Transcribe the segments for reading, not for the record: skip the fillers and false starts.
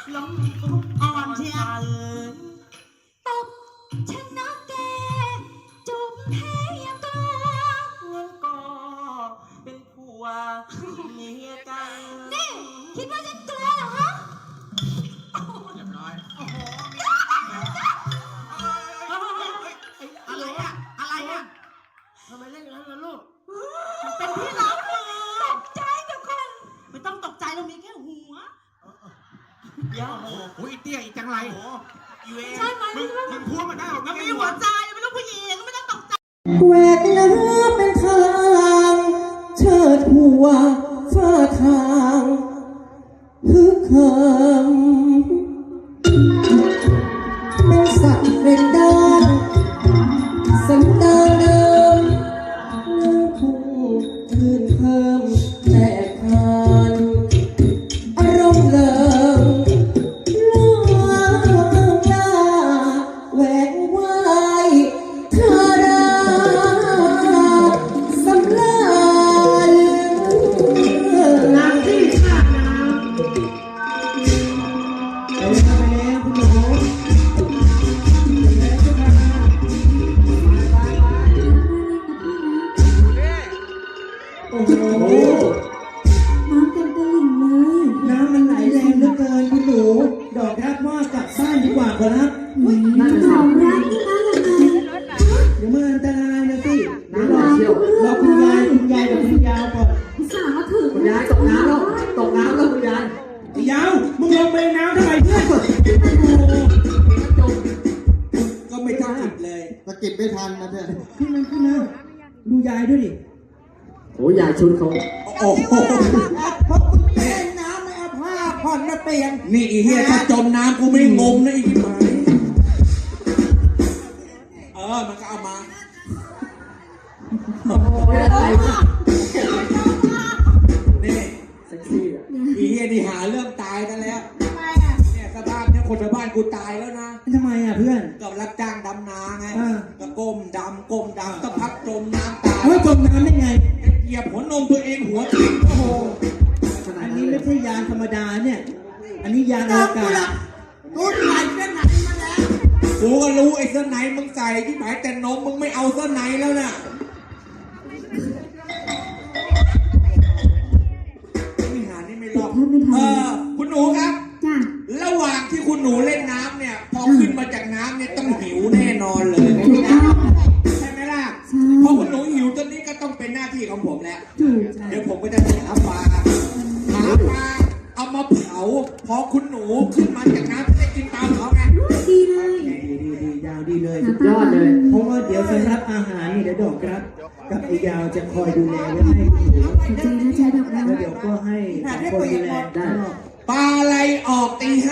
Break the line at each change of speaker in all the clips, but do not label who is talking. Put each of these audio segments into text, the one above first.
ล้มทุกอ่อนเชียว
ตบชนะแกจุบแพ้ยังกลัว
งั้นก็เป็นผัวเมียกัน
นี่คิดว่าฉันกลัวเหรอฮะ
เรียบร้อย
อะไรอะอะไรอะ
ทำไมเล่นอย่างนั้นล่ะลูก
มันเป็นที่รักมือ
ตกใจทุกคน
ไม่ต้องตกใจเรามีแค่หัวเดี๋ยว
โอ้โหอีเตี้ยอีจังไร
โอ้อีเวน
ใช่ไหม
มึงพูดมาได้หรอ
มันมีหัวใจเป็นลูกผู้หญิงไม่ต้องตกใจ
แหวกน้ำเป็นทางเชิดหัวฟ้าทางฮึกเหิมเป็นสัตว์เป็นดานสันดานเดิมน้ำพุ่งคืนเพิ่มแตกทานอารมณ์เลิงล่วงหน้าแหวกว่ายเธอราสำราญนางที่ข้าน้ำไปแล้วคุณหนูโอ้โห
น้ำเต็มตลิ่งเลย
น้ำมันไหลแรงเหลือเกินคุณหนูดอกรักว่ากลับบ้านดีกว่าขอรับ
ของรักนี่มายังไง
เดี๋ยวมันอันตรายนะสิเดี๋ยวรอคุณยายกับคุณยาวก่อน
อุตส่าห์มาถึง
คุณยายตกน้ำแล้วคุณยายยาวมึงลงไปน้ำทำไมเพื่อนก็ไม่ทันเลย
สะกิดไม่ทันนะเพื่อน
ขึ้นมาดูยายด้วยดิ
โอ้ยายชุดเขา
โอ้โหเพราะคุณเล่นน้ำไม่เอาผ้าผ่อนมาเปลี่ยนนี่อีเหี้ยถ้าจมน้ำกูไม่งมนะอีกหมายมันก็เอามา
ไม่ได้อะไรนะ
นี่
เซ็กซี่อ่ะ
อีเหี้ยนี่หาเรื่องตายกันแล้วเนี่ยสภาพเนี่ยคนชาวบ้านกูตายแล้วนะทำไมอ่ะเพื่อนก็รับจ้างดำนาไงก็ก้มดำก็พักจมน้ำตายจมน้ำได้ไงเหยียบหัวนมตัวเองหัวทิ่มโอ้โหอันนี้ไม่ใช่ยานธรรมดาเนี่ย อันนี้ยานอวกาศ
กูใส่เส้นไหนมาแล้ว
กูก็รู้ไอ้เสื้อไหนมึงใส่ที่หมายแต่นมมึงไม่เอาเสื้อไหนแล้วน่ะนี่หานี่ไม่รอดคุณหนูครับ
จ้ะ
ระหว่างที่คุณหนูเล่นน้ำเนี่ย พอขึ้นมาจากน้ำเนี่ยต้องหิวแน่นอนเลย ใช่ไหมล่ะพอคุณหนูหิวตอนนี้ก็ต้องเป็นหน้าที่ของผมแล้ว เดี๋ยวผมก็จะหาปลาเอามาเผา พอคุณหนูขึ้นมาจากน้ำจะได้กินปลาเผาไง
ดีเลย
ดียาวดีเลย
ยอดเลย
เพราะว่าเดี๋ยวสำรับอาหารนี่เดี๋ยวดอกครับกับไอ้ยาวจะคอยดูแลไว้ให้คุณหนู
ขอบใจนะจ๊ะดอกรัก
แล้วเดี๋ยวก็ให้สองคนดูแล
ได้
ปลาอะไรออกตี 5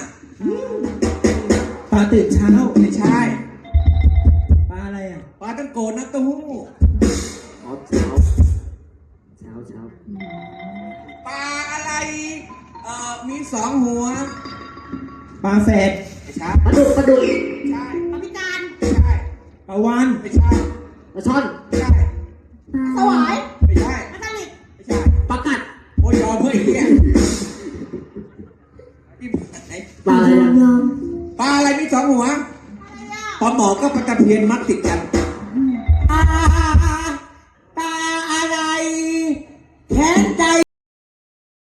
ปลาตื่นเช้าไม่ใช่ปลาอะไรอ่ะปลาตั้งโกน้ำเต้าหู้
อ๋อเช้า
ปลาอะไรมี2 หัวปลาแฝดไม่ใช่
ปลาดุก
ใช่
ปาพิการ
ไม่ใช่ปลาวานไม่ใช่
ปลาช่อน
ไม่ใช่
สวาย
ไม่ใช่
ปลาสลิด
ไม่ใช่
ปลากัด
โอ้ยยอมเพื่อนเนี่ยนี่ไหน
ปลาอะไรอ่ะ
ยอม
ปลาอะไรมี2 หัวปลาหมอก็ปลาตะเพียนมัดติดกันปลาอะไรแขน